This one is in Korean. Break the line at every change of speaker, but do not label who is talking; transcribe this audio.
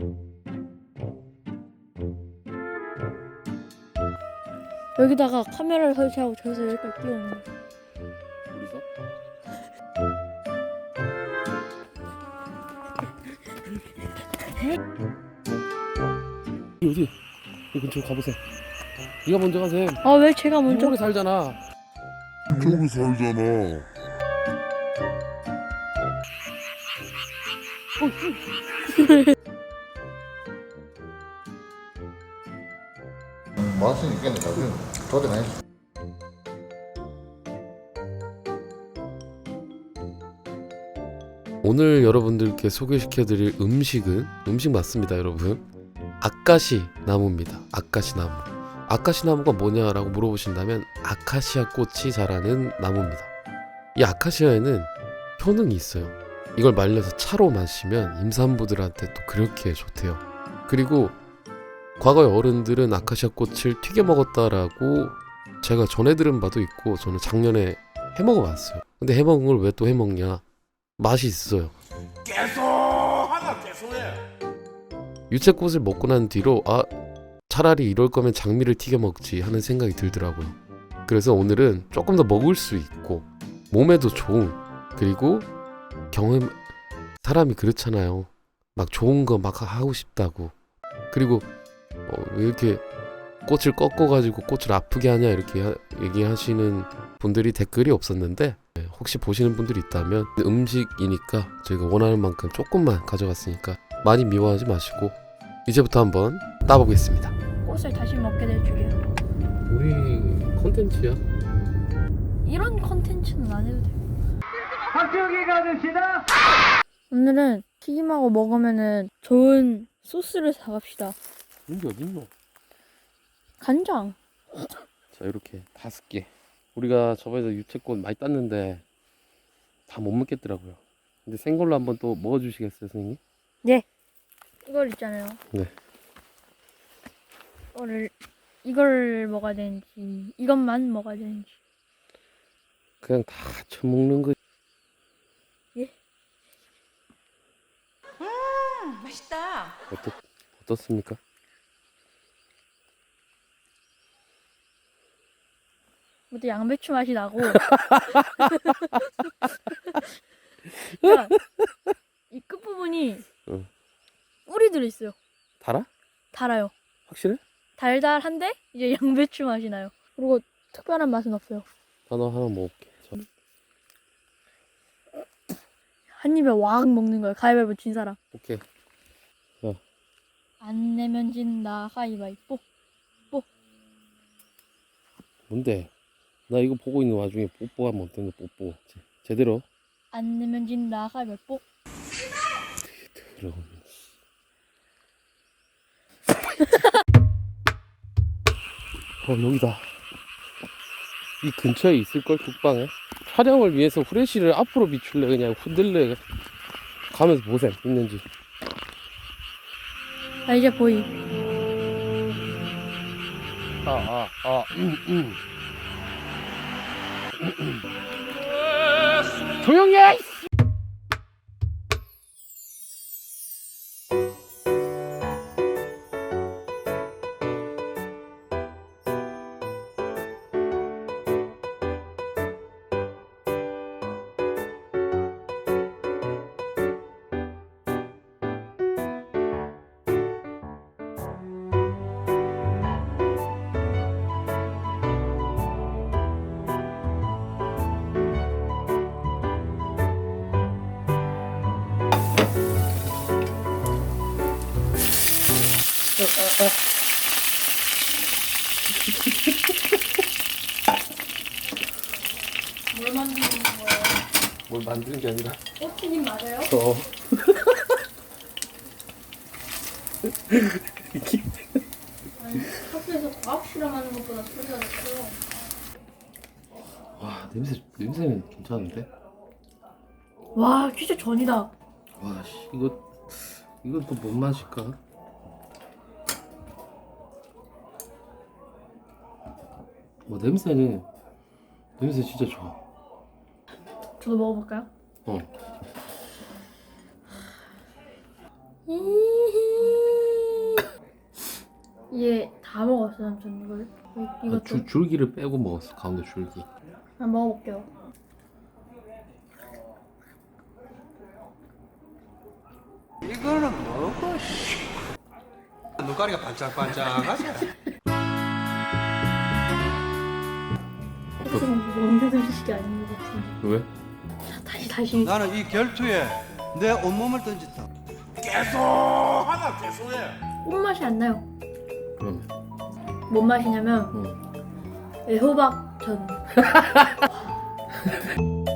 여기다가 카메라를 설치하고 저기서 여기까지 뛰어오는 거야.
어디서? 어디? 이 근처로 가보세요. 네가 먼저 가세요.
아 왜 제가 먼저?
이쪽에 살잖아.
이쪽에 살잖아.
뭐 할 수는 있겠네. 나중에 도전해.
오늘 여러분들께 소개시켜드릴 음식 맞습니다, 여러분. 아카시 나무입니다. 아카시 나무. 아카시 나무가 뭐냐라고 물어보신다면 아카시아 꽃이 자라는 나무입니다. 이 아카시아에는 효능이 있어요. 이걸 말려서 차로 마시면 임산부들한테 또 그렇게 좋대요. 그리고 과거에 어른들은 아카시아 꽃을 튀겨 먹었다라고 제가 전해 들은 바도 있고, 저는 작년에 해 먹어봤어요. 근데 해 먹은 걸 왜 또 해 먹냐? 맛이 있어요.
계속해.
유채꽃을 먹고 난 뒤로 차라리 이럴 거면 장미를 튀겨 먹지 하는 생각이 들더라고요. 그래서 오늘은 조금 더 먹을 수 있고 몸에도 좋은, 그리고 사람이 그렇잖아요. 막 좋은 거 막 하고 싶다고. 그리고 왜 이렇게 꽃을 꺾어가지고 꽃을 아프게 하냐 이렇게 얘기하시는 분들이 댓글이 없었는데, 혹시 보시는 분들이 있다면 음식이니까 저희가 원하는 만큼 조금만 가져갔으니까 많이 미워하지 마시고 이제부터 한번 따보겠습니다.
꽃을 다시 먹게 될 줄이야.
우리 컨텐츠야.
이런 컨텐츠는 안 해도 돼. 박정희 가봅시다. 오늘은 튀김하고 먹으면은 좋은 소스를 사갑시다.
이게 어딨노?
간장.
자, 이렇게 5개. 우리가 저번에 유채꽃 많이 땄는데 다 못 먹겠더라고요. 근데 생걸로 한번 또 먹어주시겠어요, 선생님?
네. 이걸 있잖아요.
네.
이걸 먹어야 되는지 이것만 먹어야 되는지.
그냥 다 처먹는 거.
예?
맛있다.
어떻습니까?
또 양배추 맛이 나고. 야, 이 끝부분이
응.
꿀이 들어있어요.
달아?
달아요.
확실해?
달달한데 이제 양배추 맛이 나요. 그리고 특별한 맛은 없어요.
나도 하나 먹을게.
한 입에 와악 먹는 거예요. 가위바위보 진 사람.
오케이.
안 내면 진다. 가위바위보.
뭔데? 나 이거 보고 있는 와중에 뽀뽀하면 어떤 거 뽀뽀. 제대로.
안 내면 진다. 가위바위보.
그럼. 여기다. 이 근처에 있을걸, 국방에. 촬영을 위해서 후레쉬를 앞으로 비출래, 그냥 흔들래. 가면서 보셈, 있는지.
아 이제 보이.
조용히 해!
뭘 만드는 거예요?
뭘 만드는 게 아니라.
꽃튀김 맞아요? 아니 학교에서 과학 실험하는 것보다 소리가 났어요.
와, 냄새는 괜찮은데?
와 진짜 전이다.
와, 씨, 이건 또 뭔 맛일까? 냄새 진짜 좋아.
저도 먹어볼까요?
어.
히히. 얘 다 먹었어 삼촌 이걸. 이것도
줄기를 빼고 먹었어. 가운데 줄기.
한번 먹어볼게요.
이거는 뭐고? 눈가리가 반짝반짝하지?
먹는 음식이 아닌 것 같은데.
왜?
다시.
나는 이 결투에 내 온몸을 던졌다.
꽃맛이 안 나요.
그러면
뭔 맛이냐면
응.
애호박전.